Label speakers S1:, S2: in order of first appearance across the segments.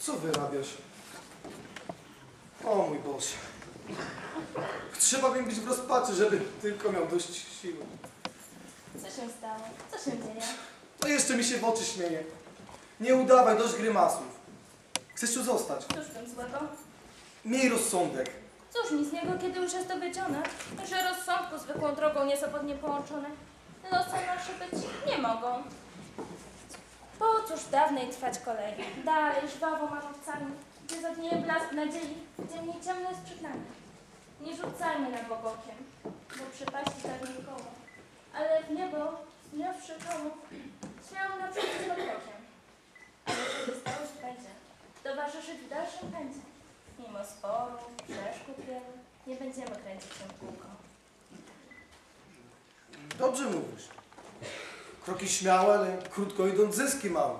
S1: Co wyrabiasz? O mój Boże. Trzeba mi być w rozpaczy, żeby tylko miał dość siły.
S2: Co się stało? Co się dzieje?
S1: To jeszcze mi się w oczy śmieje. Nie udawaj, dość grymasów. Chcesz tu zostać?
S2: Cóż w tym złego?
S1: Miej rozsądek.
S2: Cóż mi z niego, kiedy już jest dowiedzione, że rozsądku zwykłą drogą niezawodnie połączone, losy nasze być nie mogą. Po cóż dawnej trwać kolei, dalej żwawo manowcami, gdzie zadnieje blask nadziei, gdzie mniej ciemno jest przed nami. Nie rzucajmy na bok okiem, bo przypaści tak nie koło, ale w niebo, zmiawszy koło, śmiało naprzód z krokiem. Ale żeby stało się będzie, towarzyszyć w dalszym pędzie. Mimo sporów, przeszkód wielu, nie będziemy kręcić się w kółko.
S1: Dobrze mówisz. Kroki śmiałe, ale krótko idąc zyski małe.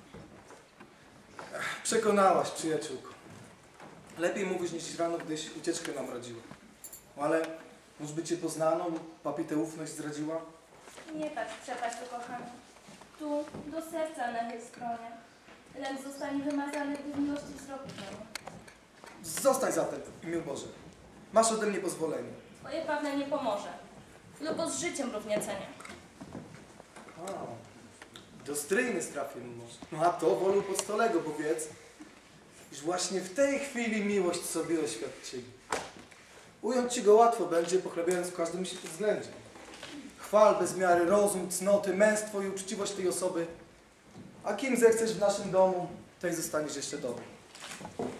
S1: Przekonałaś, przyjaciółko. Lepiej mówisz niż rano, gdyś ucieczkę nam radziła. Ale może by cię poznano lub papitę ufność zdradziła?
S2: Nie patrz w przepaść ukochany. Tu do serca nachyl skronie. Lęk zostanie wymazany, gdy w miłości wzroku pełny.
S1: Zostań zatem, w imię Boże. Masz ode mnie pozwolenie.
S2: Twoje pewne nie pomoże. Lub z życiem równie cenię.
S1: A, do stryjny strafię może. No a to wolę podstolego, bo wiedz, iż właśnie w tej chwili miłość sobie oświadczyli. Ująć ci go łatwo będzie, pochlebiając w każdym się względzie. Chwal bez miary rozum, cnoty, męstwo i uczciwość tej osoby, a kim zechcesz w naszym domu, tej zostaniesz jeszcze dobry.